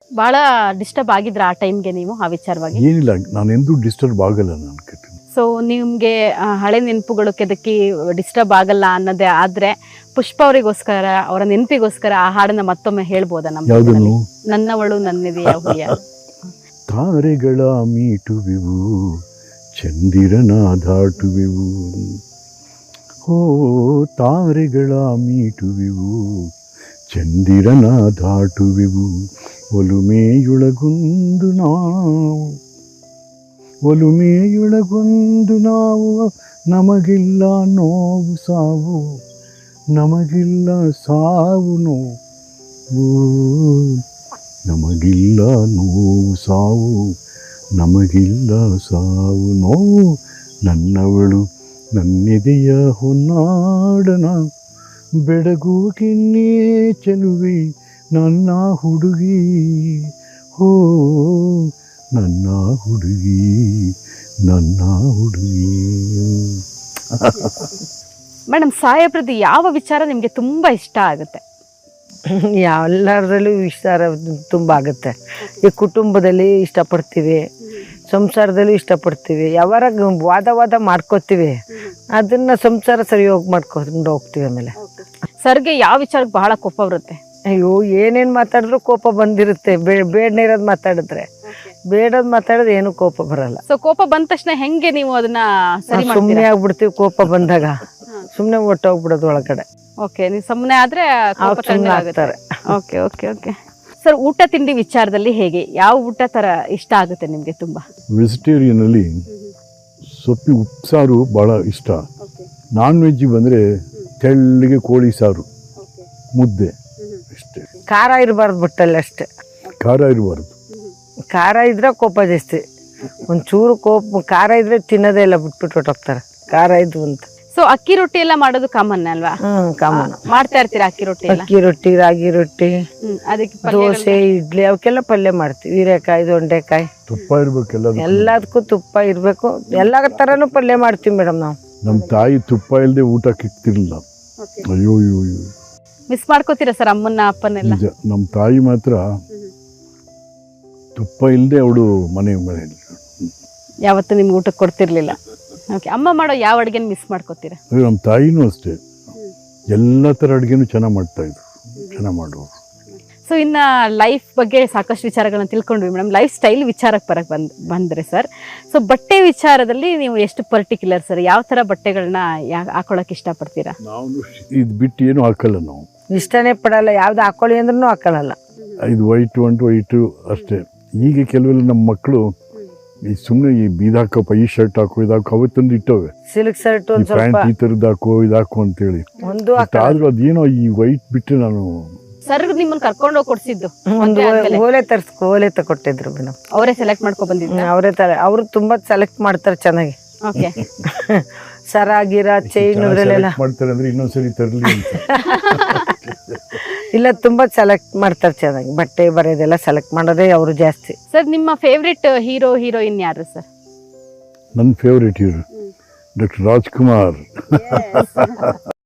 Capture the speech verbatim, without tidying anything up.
ಬಹಳ ಡಿಸ್ಟರ್ಬ್ ಆಗಿದ್ರ ಆ ಟೈಮ್ಗೆ ನೀವು ಆ ವಿಚಾರವಾಗಿ? ಏನಿಲ್ಲ, ನಾನು ಎಂದೂ ಡಿಸ್ಟರ್ಬ್ ಆಗಲ್ಲ ನಾನು ಕೆಟ್ಟ. ಸೊ ನಿಮ್ಗೆ ಹಳೆ ನೆನಪುಗಳು ಕೆದಕಿ ಡಿಸ್ಟರ್ಬ್ ಆಗಲ್ಲ ಅನ್ನೋದೇ ಆದ್ರೆ ಪುಷ್ಪ ಅವರಿಗೋಸ್ಕರ ಅವರ ನೆನಪಿಗೋಸ್ಕರ ಆ ಹಾಡನ್ನ ಮತ್ತೊಮ್ಮೆ ಹೇಳ್ಬೋದಾ ನಮ್ಮ? ಯಾವುದನ್ನು? ನನ್ನವಳು ನನ್ನಿದೆಯ ಹುಲಿಯ. ತಾರೆಗಳ ಮೀಟುವೆವು, ಚಂದಿರನ ದಾಟುವೆವು, ಓ ತಾರೆಗಳ ಮೀಟುವೆವು, ಚಂದಿರನ ದಾಟುವೆವು, ಒಲುಮೆಯೊಳಗೊಂದು ನಾವು, ಒಲುಮೆಯೊಳಗೊಂದು ನಾವು, ನಮಗಿಲ್ಲ ನೋವು ಸಾವು, ನಮಗಿಲ್ಲ ಸಾವು ನೋವು, ನಮಗಿಲ್ಲ ನೋವು ಸಾವು, ನಮಗಿಲ್ಲ ಸಾವು ನೋವು, ನನ್ನವಳು ನನ್ನೆದೆಯ ಹೊನ್ನಾಡನ ಬೆಡಗು ಕಿನ್ನೇ ಚೆಲುವೆ ನನ್ನ ಹುಡುಗಿ, ಹೋ ನನ್ನ ಹುಡುಗಿ, ನನ್ನ ಹುಡುಗಿ. ಮೇಡಮ್, ಸಾಹೇಬ್ರದ್ದು ಯಾವ ವಿಚಾರ ನಿಮ್ಗೆ ತುಂಬಾ ಇಷ್ಟ ಆಗುತ್ತೆ? ಎಲ್ಲರಲ್ಲೂ ಇಷ್ಟ ತುಂಬ ಆಗುತ್ತೆ. ಈ ಕುಟುಂಬದಲ್ಲಿ ಇಷ್ಟಪಡ್ತೀವಿ, ಸಂಸಾರದಲ್ಲೂ ಇಷ್ಟಪಡ್ತೀವಿ, ಯಾವಾರ ವಾದ ವಾದ ಮಾಡ್ಕೋತೀವಿ, ಅದನ್ನ ಸಂಸಾರ ಸರಿ ಹೋಗಿ ಮಾಡ್ಕೊಂಡು ಹೋಗ್ತೀವಿ. ಆಮೇಲೆ ಸರ್ಗೆ ಯಾವ ವಿಚಾರಕ್ಕೆ ಬಹಳ ಕೋಪ ಬರುತ್ತೆ? ಅಯ್ಯೋ ಏನೇನು ಮಾತಾಡಿದ್ರು ಕೋಪ ಬಂದಿರುತ್ತೆ. ಬೇ ಬೇಡನೇ ಇರೋದು ಮಾತಾಡಿದ್ರೆ, ಬೇಡದ್ ಮಾತಾಡಿದ್ರೆ ಏನು ಕೋಪ ಬರಲ್ಲ. ಸೊ ಕೋಪ ಬಂದ ತಕ್ಷಣ ಹೆಂಗೆ ನೀವು ಅದನ್ನ ಸರಿ ಸುಮ್ಮನೆ ಮಾಡ್ತೀರಾ? ಆಗ್ಬಿಡ್ತೀವಿ. ಕೋಪ ಬಂದಾಗ ಸುಮ್ಮನೆ ಒಟ್ಟೋಗ್ಬಿಡೋದು ಒಳಗಡೆ. ಓಕೆ, ನೀವು ಸುಮ್ಮನೆ ಆದ್ರೆ ಕೋಪ ಸುಮ್ನೆ ಕಡಿಮೆ ಆಗುತ್ತೆ. ಆಗ್ತಾರೆ. ಓಕೆ ಓಕೆ ಓಕೆ ಸರ್, ಊಟ ತಿಂಡಿ ವಿಚಾರದಲ್ಲಿ ಹೇಗೆ, ಯಾವ ಊಟ ತರ ಇಷ್ಟ ಆಗುತ್ತೆ ನಿಮ್ಗೆ ತುಂಬಾ? ವೆಜಿಟೇರಿಯನಲ್ಲಿ ಸೊಪ್ಪಿ ಉಪ್ಸಾರು ಭಾಳ ಇಷ್ಟ. ನಾನ್ ವೆಜ್ ಬಂದರೆ ತೆಳ್ಳಗೆ ಕೋಳಿ ಸಾರು, ಮುದ್ದೆ, ಇಷ್ಟೇ. ಖಾರ ಇರಬಾರ್ದು ಬಟ್ಟಲ್ಲಿ ಅಷ್ಟೇ. ಖಾರ ಇರಬಾರ್ದು. ಖಾರ ಇದ್ರೆ ಕೋಪ ಜಾಸ್ತಿ. ಒಂಚೂರು ಕೋಪ ಖಾರ ಇದ್ರೆ ತಿನ್ನೋದೇ ಇಲ್ಲ, ಬಿಟ್ಬಿಟ್ಟು ಹೊಟ್ಟೋಗ್ತಾರೆ ಖಾರ ಇದ್ವು ಅಂತ. ಸೊ ಅಕ್ಕಿ ರೊಟ್ಟಿ ಎಲ್ಲ ಮಾಡೋದು ಕಾಮನ್ ಅಲ್ವಾ? Hmm common. ಮಾಡ್ತಾ ಇರ್ತೀರಾ ಅಕ್ಕಿ ರೊಟ್ಟಿ ಎಲ್ಲ? ಅಕ್ಕಿ ರೊಟ್ಟಿ, ರಾಗಿ ರೊಟ್ಟಿ, ಹ್ಮ್, ಅದಕ್ಕೆ ಪಲ್ಯಗಳು- ದೋಸೆ, ಇಡ್ಲಿ ಅವಕ್ಕೆಲ್ಲ ಪಲ್ಯ ಮಾಡ್ತೀವಿ. ಹೀರೆಕಾಯಿ, ದೊಂಡೆಕಾಯಿ, ತುಪ್ಪ ಇರಬೇಕೆಲ್ಲ. ಎಲ್ಲದಕ್ಕೂ ತುಪ್ಪ ಇರಬೇಕು. ಎಲ್ಲ ಥರನೂ ಪಲ್ಯ ಮಾಡ್ತೀವಿ ಮೇಡಮ್ ನಾವು. ನಮ್ಮ ತಾಯಿ ತುಪ್ಪ ಇಲ್ಲದೆ ಊಟ ಕಿಕ್ತಿರ್ಲಿಲ್ಲ. ಅಯ್ಯೋ ಅಯ್ಯೋ ಅಯ್ಯೋ, ಮಿಸ್ ಮಾಡ್ಕೋತೀರಾ ಸರ್ ಅಮ್ಮನ್ನ ಅಪ್ಪನೆಲ್ಲ? ನಿಜ. ನಮ್ಮ ತಾಯಿ ಮಾತ್ರ ತುಪ್ಪ ಇಲ್ಲದೆ ಅವಳು ಮನೆ ಮನೆಯಲ್ಲಿ ಯಾವತ್ತು ನಿಮ್ಗೆ ಊಟಕ್ಕೆ ಕೊಡ್ತಿರ್ಲಿಲ್ಲ. ಓಕೆ, ಅಮ್ಮ ಮಾಡೋ ಯಾವ ಅಡುಗೆನ ಮಿಸ್ ಮಾಡ್ಕೋತೀರಾ? ನಮ್ಮ ತಾಯಿನೂ ಅಷ್ಟೇ, ಎಲ್ಲ ಥರ ಅಡುಗೆನೂ ಚೆನ್ನಾಗಿ ಮಾಡ್ತಾಯಿದ್ರು, ಚೆನ್ನಾಗಿ ಮಾಡೋರು. ಸೊ ಇನ್ನು ಲೈಫ್ ಬಗ್ಗೆ ಸಾಕಷ್ಟು ವಿಚಾರಗಳನ್ನ ತಿಳ್ಕೊಂಡ್ವಿ ಮೇಡಮ್. ಲೈಫ್ ಸ್ಟೈಲ್ ವಿಚಾರಕ್ಕೆ ಬರಕ್ಕೆ ಬಂದ್ ಬಂದರೆ ಸರ್, ಸೊ ಬಟ್ಟೆ ವಿಚಾರದಲ್ಲಿ ನೀವು ಎಷ್ಟು ಪರ್ಟಿಕ್ಯುಲರ್ ಸರ್? ಯಾವ ಥರ ಬಟ್ಟೆಗಳನ್ನ ಯಾ ಹಾಕೊಳ್ಳೋಕೆ ಇಷ್ಟಪಡ್ತೀರಾ? ನಾವು ಇದು ಬಿಟ್ಟು ಏನೂ ಹಾಕಲ್ಲ ನಾವು. ಇಷ್ಟನೇ ಪಡಲ್ಲ, ಯಾವ್ದು ಹಾಕೊಳ್ಳಿ ಅಂದ್ರೂ ಹಾಕೊಳ್ಳಲ್ಲ. ಇದು ವೈಟು ಅಂಟು ವೈಟು ಅಷ್ಟೇ. ಈಗ ಕೆಲವೆಲ್ಲ ನಮ್ಮ ಮಕ್ಕಳು ಈ ಸುಮ್ಮನೆ ಈ ಬೀದ್ ಹಾಕಪ್ಪ, ಈ ಶರ್ಟ್ ಹಾಕೋ, ಇದು ಹಾಕೋ, ಅವತ್ತೊಂದು ಇಟ್ಟವೆ. ಸಿಲ್ಕ್ ಶರ್ಟ್ ಈ ಒಂದು ಸ್ವಲ್ಪ ಪ್ಯಾಂಟ್ ಈ ಥರದ್ದು ಹಾಕೋ, ಇದು ಹಾಕೋ ಅಂತೇಳಿ. ಒಂದು ಆದ್ರೂ ಅದೇನೋ ಈ ವೈಟ್ ಬಿಟ್ಟು ನಾನು ಸರ್ ನಿಮ್ಮನ್ನ ಕರ್ಕೊಂಡು ಹೋಗಿ ಕೊಡ್ಸಿದ್ದು ಒಂದು ಓಲೆ ತರ್ಸ್ಕೊ ಓಲೆ ತಗೊಟ್ಟಿದ್ರು ಮೇಡಮ್. ಅವರೇ ಸೆಲೆಕ್ಟ್ ಮಾಡ್ಕೊ ಬಂದಿದ್ದು? ಅವರೇ ತರ. ಅವರು ತುಂಬಾ ಸೆಲೆಕ್ಟ್ ಮಾಡ್ತಾರೆ ಚೆನ್ನಾಗಿ. ಓಕೆ, ಸರ ಗಿರ ಚೈನ್ ಇದ್ರಲ್ಲೆಲ್ಲ ಮಾಡ್ತಾರೆ ಅಂದ್ರೆ ಇನ್ನೊಂದ್ಸರಿ ತರಲಿ ಅಂತ. ಇಲ್ಲ, ತುಂಬಾ ಸೆಲೆಕ್ಟ್ ಮಾಡ್ತಾರೆ ಚೆನ್ನಾಗಿ. ಬಟ್ಟೆ ಬರೆಯೋದೆಲ್ಲ ಸೆಲೆಕ್ಟ್ ಮಾಡೋದೇ ಅವರು ಜಾಸ್ತಿ. ಸರ್ ನಿಮ್ಮ ಫೇವ್ರೆಟ್ ಹೀರೋ ಹೀರೋಯಿನ್ ಯಾರು ಸರ್? ನನ್ನ ಫೇವ್ರೇಟ್ ಹೀರೋ ಡಾಕ್ಟರ್ ರಾಜ್ಕುಮಾರ್.